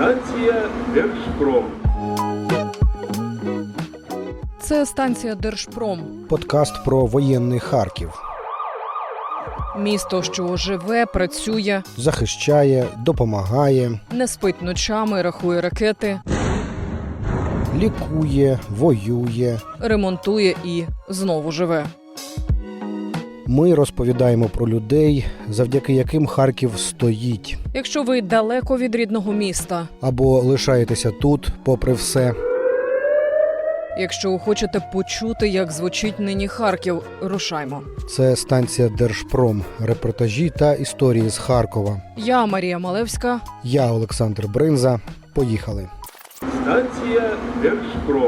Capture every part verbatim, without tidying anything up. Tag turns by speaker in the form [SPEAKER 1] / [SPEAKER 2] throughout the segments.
[SPEAKER 1] Станція Держпром.
[SPEAKER 2] Це станція Держпром.
[SPEAKER 3] Подкаст про воєнний Харків.
[SPEAKER 2] Місто, що живе, працює,
[SPEAKER 3] Захищає, допомагає,
[SPEAKER 2] не спить ночами, рахує ракети,
[SPEAKER 3] лікує, воює.
[SPEAKER 2] ремонтує і знову живе.
[SPEAKER 3] Ми розповідаємо про людей, завдяки яким Харків стоїть.
[SPEAKER 2] Якщо ви далеко від рідного міста,
[SPEAKER 3] Або лишаєтеся тут, попри все.
[SPEAKER 2] якщо хочете почути, як звучить нині Харків, рушаймо.
[SPEAKER 3] Це станція Держпром. Репортажі та історії з Харкова.
[SPEAKER 2] Я Марія Малевська.
[SPEAKER 3] Я Олександр Бринза. Поїхали.
[SPEAKER 1] Станція Держпром.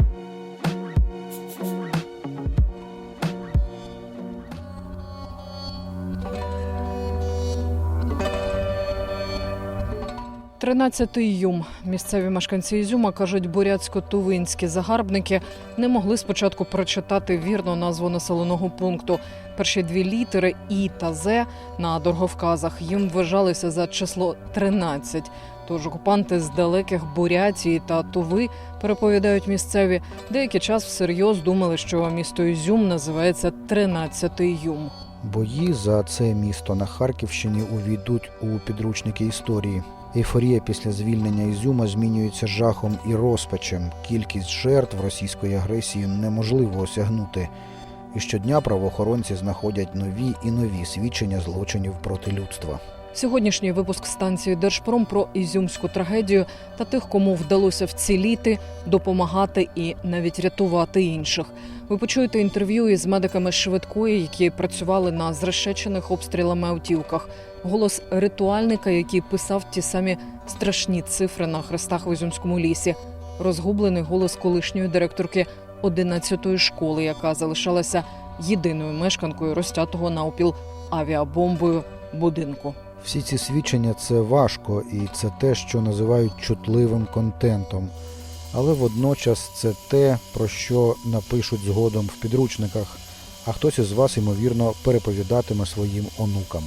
[SPEAKER 2] тринадцятий Ізюм. Місцеві мешканці Ізюма, кажуть, бурятсько-тувинські загарбники не могли спочатку прочитати вірно назву населеного пункту. Перші дві літери І та З на дороговказах їм вважалися за число тринадцять. Тож окупанти з далеких Бурятії та Туви, переповідають місцеві, деякий час всерйоз думали, що місто Ізюм називається тринадцятий Ізюм.
[SPEAKER 3] Бої за це місто на Харківщині увійдуть у підручники історії. Ейфорія після звільнення Ізюма змінюється жахом і розпачем. Кількість жертв російської агресії неможливо осягнути. І щодня правоохоронці знаходять нові і нові свідчення злочинів проти людства.
[SPEAKER 2] Сьогоднішній випуск станції Держпром про ізюмську трагедію та тих, кому вдалося вціліти, допомагати і навіть рятувати інших. Ви почуєте інтерв'ю із медиками швидкої, які працювали на зрешечених обстрілами автівках. Голос ритуальника, який писав ті самі страшні цифри на хрестах в Ізюмському лісі. Розгублений голос колишньої директорки одинадцятої школи, яка залишалася єдиною мешканкою розтятого навпіл авіабомбою будинку.
[SPEAKER 3] Всі ці свідчення – це важко, і це те, що називають чутливим контентом. Але водночас це те, про що напишуть згодом в підручниках, а хтось із вас, ймовірно, переповідатиме своїм онукам.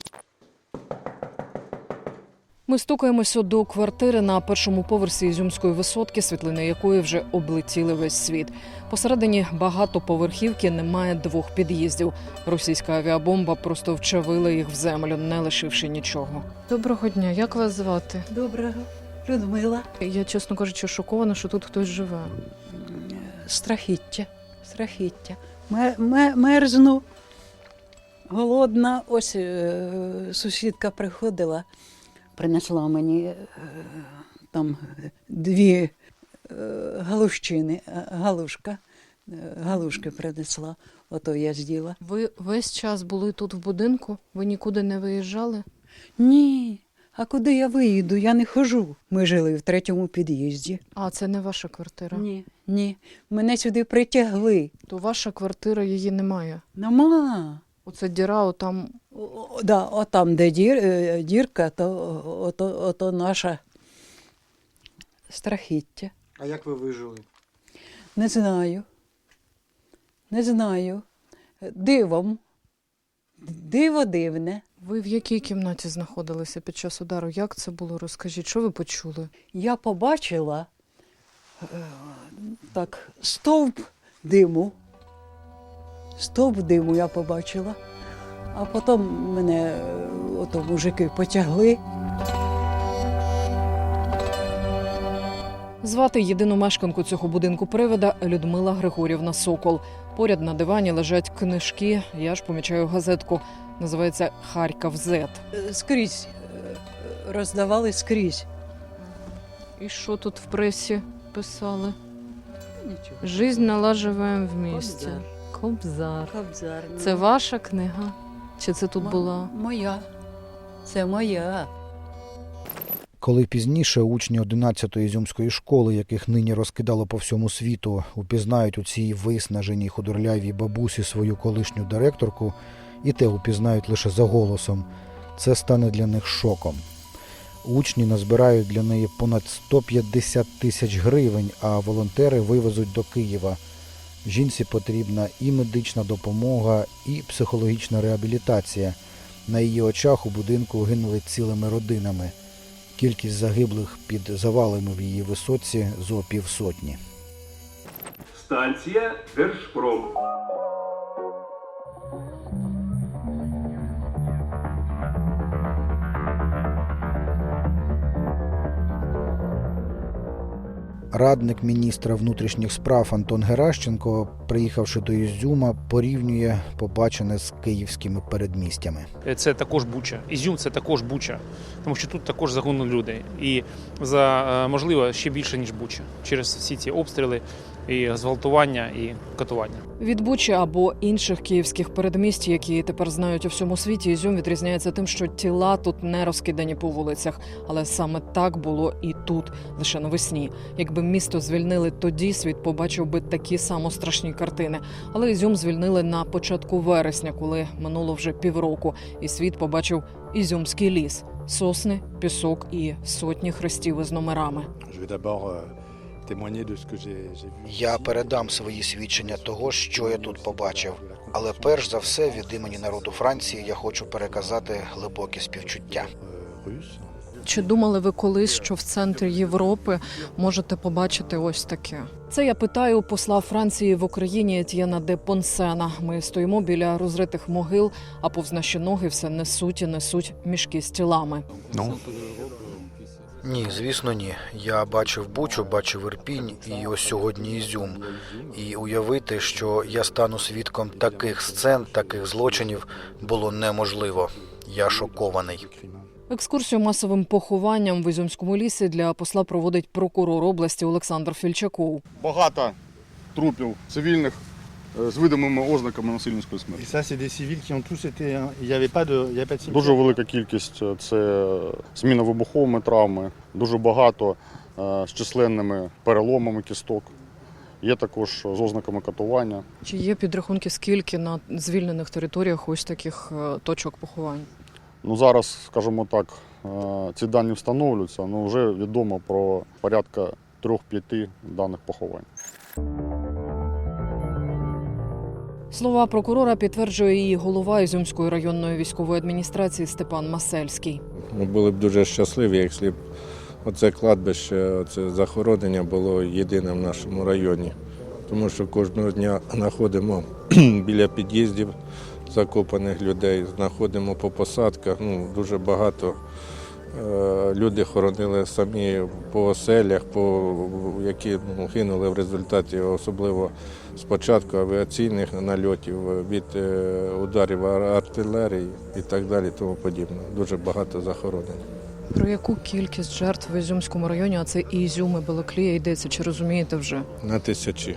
[SPEAKER 2] Ми стукаємося до квартири на першому поверсі Ізюмської висотки, світлини якої вже облетіли весь світ. Посередині багатоповерхівки немає двох під'їздів. Російська авіабомба просто вчавила їх в землю, не лишивши нічого. Доброго дня, як вас звати?
[SPEAKER 4] Доброго. Людмила.
[SPEAKER 2] Я, чесно кажучи, шокована, що тут хтось живе.
[SPEAKER 4] Страхіття. Страхіття. Мер, мер, мерзну. Голодна. Ось е, сусідка приходила, принесла мені е, там дві е, галущини. Галушка. Е, галушки принесла. Ото я з'їла.
[SPEAKER 2] Ви весь час були тут в будинку? Ви нікуди не виїжджали?
[SPEAKER 4] Ні. А куди я виїду? Я не хожу. Ми жили в третьому під'їзді.
[SPEAKER 2] А, це не ваша квартира?
[SPEAKER 4] Ні, ні. Мене сюди притягли.
[SPEAKER 2] То ваша квартира, її немає?
[SPEAKER 4] Нема.
[SPEAKER 2] Оце діра, отам...
[SPEAKER 4] О, о, да, отам, де дір, е, дірка, то ото, ото наша страхіття.
[SPEAKER 3] А як ви вижили?
[SPEAKER 4] Не знаю. Не знаю. Дивом. Диво дивне.
[SPEAKER 2] Ви в якій кімнаті знаходилися під час удару? Як це було? Розкажіть, що ви почули?
[SPEAKER 4] Я побачила е, так, стовп диму. Стовп диму я побачила. А потім мене е, ото мужики потягли.
[SPEAKER 2] Звати єдину мешканку цього будинку привида Людмила Григорівна Сокол. Поряд на дивані лежать книжки, я ж помічаю газетку. Називається «Харків зет».
[SPEAKER 4] Е, Скрізь е, роздавали скрізь.
[SPEAKER 2] І що тут в пресі писали?
[SPEAKER 4] Нічого.
[SPEAKER 2] «Жизнь налаживаем вместе».
[SPEAKER 4] Кобзар.
[SPEAKER 2] Кобзар.
[SPEAKER 4] Кобзар. ну.
[SPEAKER 2] Це ваша книга? Чи це тут
[SPEAKER 4] Мо-
[SPEAKER 2] була?
[SPEAKER 4] Моя. Це моя.
[SPEAKER 3] Коли пізніше учні одинадцятої ізюмської школи, яких нині розкидало по всьому світу, упізнають у цій виснаженій худорлявій бабусі свою колишню директорку, і те упізнають лише за голосом, це стане для них шоком. Учні назбирають для неї понад сто п'ятдесят тисяч гривень, а волонтери вивезуть до Києва. Жінці потрібна і медична допомога, і психологічна реабілітація. На її очах у будинку гинули цілими родинами. Кількість загиблих під завалами в її висотці зо півсотні.
[SPEAKER 1] Станція Держпром.
[SPEAKER 3] Радник міністра внутрішніх справ Антон Геращенко, приїхавши до Ізюма, порівнює побачене з київськими передмістями.
[SPEAKER 5] Це також Буча. Ізюм – це також Буча, тому що тут також загинули люди. І, за можливо, ще більше, ніж Буча, через всі ці обстріли, і зґвалтування, і катування.
[SPEAKER 2] Від Бучі або інших київських передмість, які тепер знають у всьому світі, Ізюм відрізняється тим, що тіла тут не розкидані по вулицях. Але саме так було і тут, лише навесні. Якби місто звільнили тоді, світ побачив би такі само страшні картини. Але Ізюм звільнили на початку вересня, коли минуло вже півроку, і світ побачив Ізюмський ліс. Сосни, пісок і сотні хрестів із номерами.
[SPEAKER 3] Я передам свої свідчення того, що я тут побачив. Але перш за все, від імені народу Франції я хочу переказати глибокі співчуття.
[SPEAKER 2] Чи думали ви колись, що в центрі Європи можете побачити ось таке? Це я питаю у посла Франції в Україні Етьєна де Понсена. Ми стоїмо біля розритих могил, а повз наші ноги все несуть і несуть мішки з тілами.
[SPEAKER 3] Ну? Ні, звісно, ні. Я бачив Бучу, бачив Ірпінь і ось сьогодні Ізюм. І уявити, що я стану свідком таких сцен, таких злочинів, було неможливо. Я шокований.
[SPEAKER 2] Екскурсію масовим похованням в Ізюмському лісі для посла проводить прокурор області Олександр Фільчаков.
[SPEAKER 6] Багато трупів цивільних з видимими ознаками насильницької смерті. Дуже велика кількість – це зміна вибуховими травми, дуже багато з численними переломами кісток. Є також з ознаками катування.
[SPEAKER 2] Чи є підрахунки, скільки на звільнених територіях ось таких точок поховань?
[SPEAKER 6] Ну, зараз, скажімо так, ці дані встановлюються, але вже відомо про порядка трьох-п'яти даних поховань.
[SPEAKER 2] Слова прокурора підтверджує і голова Ізюмської районної військової адміністрації Степан Масельський.
[SPEAKER 7] Ми були б дуже щасливі, якщо б оце кладбище, оце захоронення було єдине в нашому районі. Тому що кожного дня знаходимо біля під'їздів закопаних людей, знаходимо по посадках, ну, дуже багато. Люди хоронили самі по оселях, по, які ну, гинули в результаті, особливо спочатку авіаційних нальотів, від ударів артилерії і так далі, тому подібне. Дуже багато захоронень.
[SPEAKER 2] Про яку кількість жертв в Ізюмському районі, а це і Ізюм, і Балаклія йдеться, чи розумієте вже?
[SPEAKER 7] На тисячі.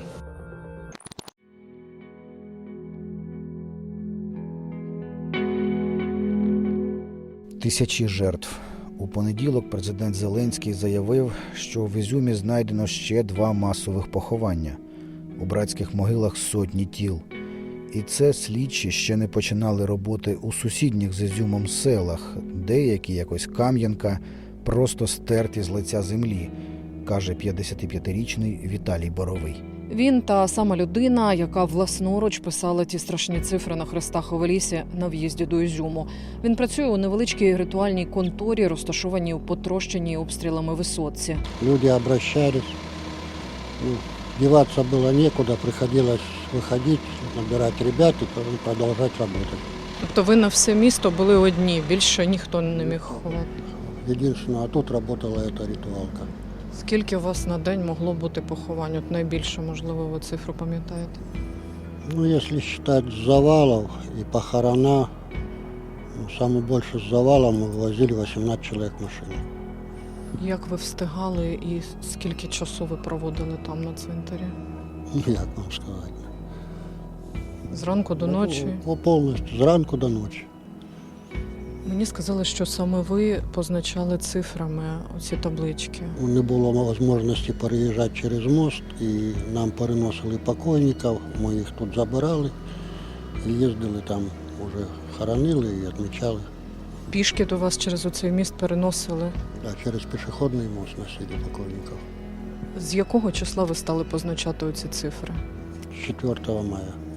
[SPEAKER 3] Тисячі жертв. У понеділок президент Зеленський заявив, що в Ізюмі знайдено ще два масових поховання. У братських могилах сотні тіл. І це слідчі ще не починали роботи у сусідніх з Ізюмом селах, деякі, як ось Кам'янка, просто стерті з лиця землі, каже п'ятдесятип'ятирічний Віталій Боровий.
[SPEAKER 2] Він та сама людина, яка власноруч писала ті страшні цифри на хрестах у лісі на в'їзді до Ізюму. Він працює у невеличкій ритуальній конторі, розташованій у потрощеній обстрілами висотці.
[SPEAKER 8] Люди обращались, ну, деваться было некуда, приходилось выходить, набирать ребят и продолжать работать.
[SPEAKER 2] Тобто ви на все місто були одні, більше ніхто не міг ховати?
[SPEAKER 8] Единственное, а тут работала эта ритуалка.
[SPEAKER 2] Скільки у вас на день могло бути поховань? От найбільше, можливо, ви цифру пам'ятаєте?
[SPEAKER 8] Ну, если считать завалов и похорона, ну, самое больше с завалом мы вывозили вісімнадцять человек в машине.
[SPEAKER 2] Як ви встигали і скільки часу ви проводили там на цвинтарі?
[SPEAKER 8] Ну, як вам сказати.
[SPEAKER 2] Зранку до ночі?
[SPEAKER 8] Ну, повністю, зранку до ночі.
[SPEAKER 2] Мені сказали, що саме ви позначали цифрами оці таблички.
[SPEAKER 8] Не було можливості переїжджати через мост, і нам переносили покойників, ми їх тут забирали, і їздили там, вже хоронили і відмічали.
[SPEAKER 2] Пішки до вас через оцей міст переносили?
[SPEAKER 8] Так, через пішохідний мост носили покойників.
[SPEAKER 2] З якого числа ви стали позначати оці цифри?
[SPEAKER 8] З четвертого мая.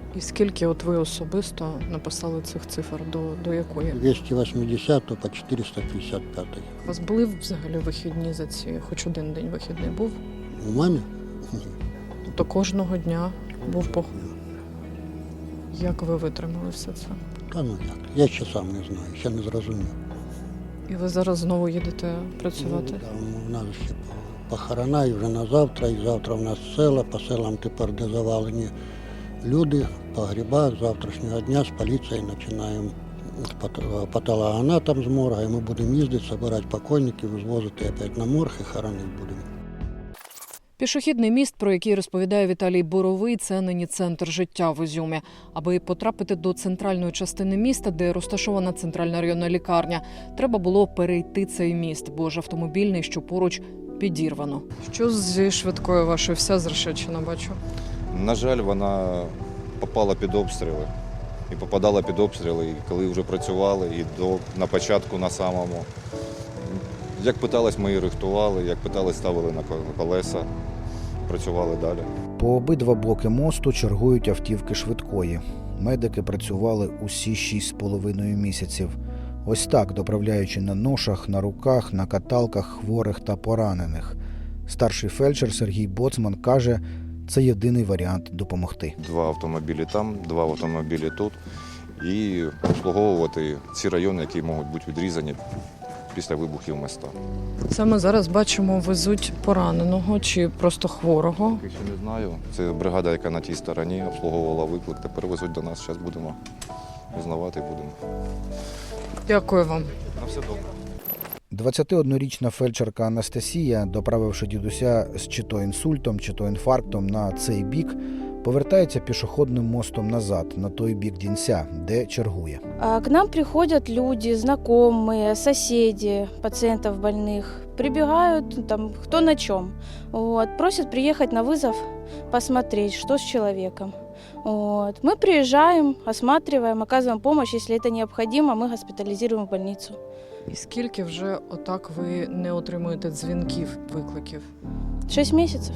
[SPEAKER 2] І скільки от ви особисто написали цих цифр, до, до якої?
[SPEAKER 8] двести восемьдесят по четыреста пятьдесят пять.
[SPEAKER 2] У вас були взагалі вихідні за ці, хоч один день вихідний був?
[SPEAKER 8] У мене?
[SPEAKER 2] Тобто кожного дня був поход. Як ви витримали все це?
[SPEAKER 8] Та ну як, я ще сам не знаю, ще не зрозумів.
[SPEAKER 2] І ви зараз знову їдете працювати?
[SPEAKER 8] Ну, да, у нас ще похорона і вже на завтра, і завтра в нас села, по селам тепер де завалені люди, по грибах, з завтрашнього дня з поліцією починаємо патологоанатом з морга, і ми будемо їздити, збирати покойників, звозити опять на морг і хоронити будемо.
[SPEAKER 2] Пішохідний міст, про який розповідає Віталій Боровий, це нині центр життя в Ізюмі. Аби потрапити до центральної частини міста, де розташована центральна районна лікарня, треба було перейти цей міст, бо ж автомобільний, що поруч, підірвано. Що зі швидкою вашою? Вся зрешечена, бачу.
[SPEAKER 9] На жаль, вона попала під обстріли. І попадала під обстріли, і коли вже працювали, і до, на початку на самому. Як питались, ми її рихтували, як питались, ставили на колеса, працювали далі.
[SPEAKER 3] По обидва боки мосту чергують автівки швидкої. Медики працювали усі шість з половиною місяців. Ось так, доправляючи на ношах, на руках, на каталках хворих та поранених. Старший фельдшер Сергій Боцман каже, це єдиний варіант допомогти.
[SPEAKER 9] Два автомобілі там, два автомобілі тут. І обслуговувати ці райони, які можуть бути відрізані після вибухів міста.
[SPEAKER 2] Саме зараз бачимо, везуть пораненого чи просто хворого.
[SPEAKER 9] Я ще не знаю. Це бригада, яка на тій стороні обслуговувала виклик. Тепер везуть до нас. Зараз будемо узнавати будемо.
[SPEAKER 2] Дякую вам.
[SPEAKER 9] На все добре.
[SPEAKER 3] двадцятиоднорічна фельдшерка Анастасія, доправивши дідуся з чи то інсультом, чи то інфарктом на цей бік, повертається пішохідним мостом назад, на той бік Дінця, де чергує.
[SPEAKER 10] К нам приходят люди, знакомые, соседи пациентов больных. Прибегают, там, кто на чем. Вот, просят приехать на вызов, посмотреть, что с человеком. Вот. Мы приезжаем, осматриваем, оказываем помощь. Если это необходимо, мы госпитализируем в больницу.
[SPEAKER 2] І скільки вже отак ви не отримуєте дзвінків, викликів?
[SPEAKER 10] Шесть месяцев.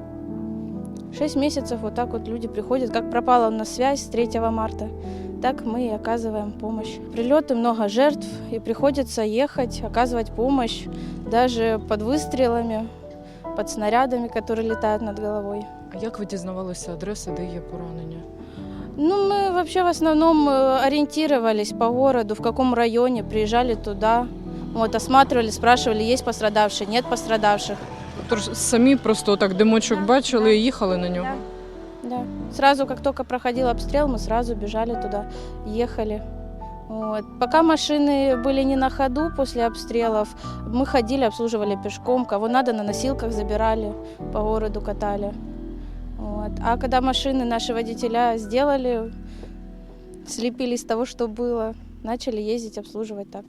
[SPEAKER 10] Шесть месяцев вот так вот люди приходят. Как пропала у нас связь с третьего марта, так мы и оказываем помощь. Прилеты, много жертв, и приходится ехать, оказывать помощь даже под выстрелами, под снарядами, которые летают над головой.
[SPEAKER 2] А як ви дізнавалися адреси, де є поранення?
[SPEAKER 10] Ну, мы вообще в основном э, ориентировались по городу, в каком районе, приезжали туда, вот, осматривали, спрашивали, есть пострадавшие, нет пострадавших.
[SPEAKER 2] Тож самі просто так димочок бачили і їхали на нього?
[SPEAKER 10] Да. Да. Сразу, как только проходил обстрел, мы сразу бежали туда, ехали. Вот. Пока машины были не на ходу после обстрелов, мы ходили, обслуживали пешком, кого надо на носилках забирали, по городу катали. Вот. А когда машины наши водителя сделали, слепили из того, что было, начали ездить, обслуживать так.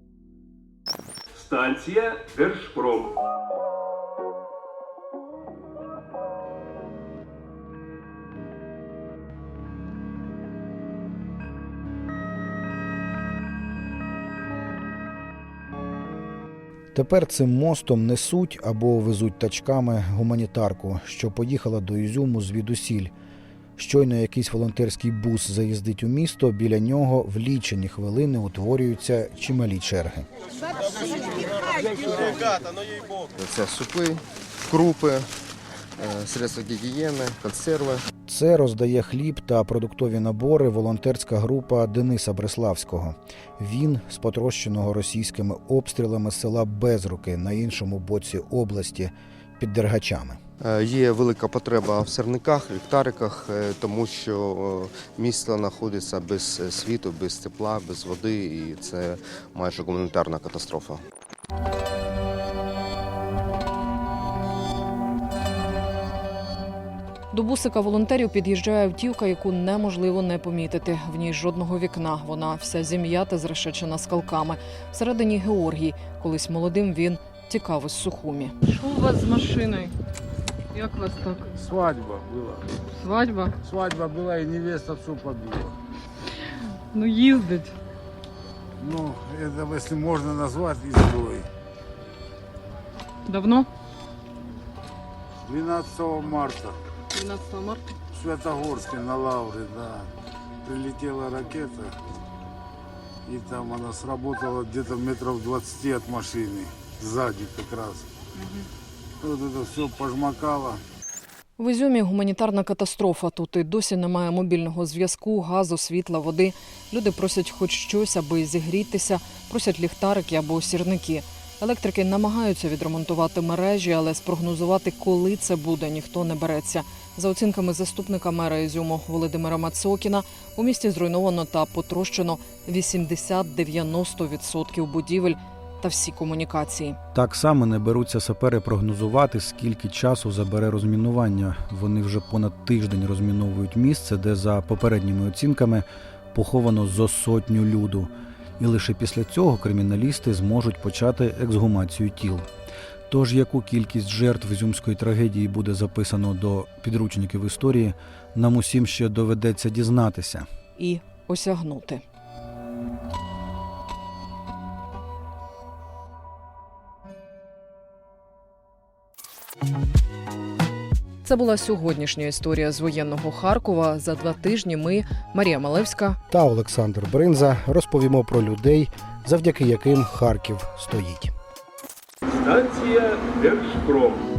[SPEAKER 1] Станція Держпром.
[SPEAKER 3] Тепер цим мостом несуть або везуть тачками гуманітарку, що поїхала до Ізюму звідусіль. Щойно якийсь волонтерський бус заїздить у місто, біля нього в лічені хвилини утворюються чималі черги.
[SPEAKER 11] Це супи, крупи, средства гігієни, консерви.
[SPEAKER 3] Це роздає хліб та продуктові набори волонтерська група Дениса Бреславського. Він з потрощеного російськими обстрілами села Безруки на іншому боці області під Дергачами.
[SPEAKER 11] Є велика потреба в сирниках, ліхтариках, тому що місто знаходиться без світу, без тепла, без води, і це майже гуманітарна катастрофа.
[SPEAKER 2] До бусика волонтерів під'їжджає автівка, яку неможливо не помітити. В ній жодного вікна. Вона вся зім'ята, зрешечена скалками. Всередині Георгій. Колись молодим він тікав із Сухумі. Що у вас з машиною? Як вас так?
[SPEAKER 12] Свадьба була.
[SPEAKER 2] Свадьба?
[SPEAKER 12] Свадьба була і невеста всю побила.
[SPEAKER 2] Ну їздить.
[SPEAKER 12] Ну, это, если можно назвать, изгой.
[SPEAKER 2] Давно?
[SPEAKER 12] двенадцатого марта.
[SPEAKER 2] двенадцатого марта?
[SPEAKER 12] В Святогорске на Лавре, да. Прилетела ракета, и там она сработала где-то метров двадцати от машины, сзади как раз. Вот это все пожмакало.
[SPEAKER 2] В Ізюмі гуманітарна катастрофа. Тут і досі немає мобільного зв'язку, газу, світла, води. Люди просять хоч щось, аби зігрітися, просять ліхтарики або сірники. Електрики намагаються відремонтувати мережі, але спрогнозувати, коли це буде, ніхто не береться. За оцінками заступника мера Ізюму Володимира Мацокіна, у місті зруйновано та потрощено вісімдесят-дев'яносто відсотків будівель та всі комунікації.
[SPEAKER 3] Так само не беруться сапери прогнозувати, скільки часу забере розмінування. Вони вже понад тиждень розміновують місце, де за попередніми оцінками поховано зо сотню люду. І лише після цього криміналісти зможуть почати ексгумацію тіл. Тож, яку кількість жертв ізюмської трагедії буде записано до підручників історії, нам усім ще доведеться дізнатися.
[SPEAKER 2] І осягнути. Це була сьогоднішня історія з воєнного Харкова. За два тижні ми, Марія Малевська
[SPEAKER 3] та Олександр Бринза, розповімо про людей, завдяки яким Харків стоїть.
[SPEAKER 1] Станція Держпром.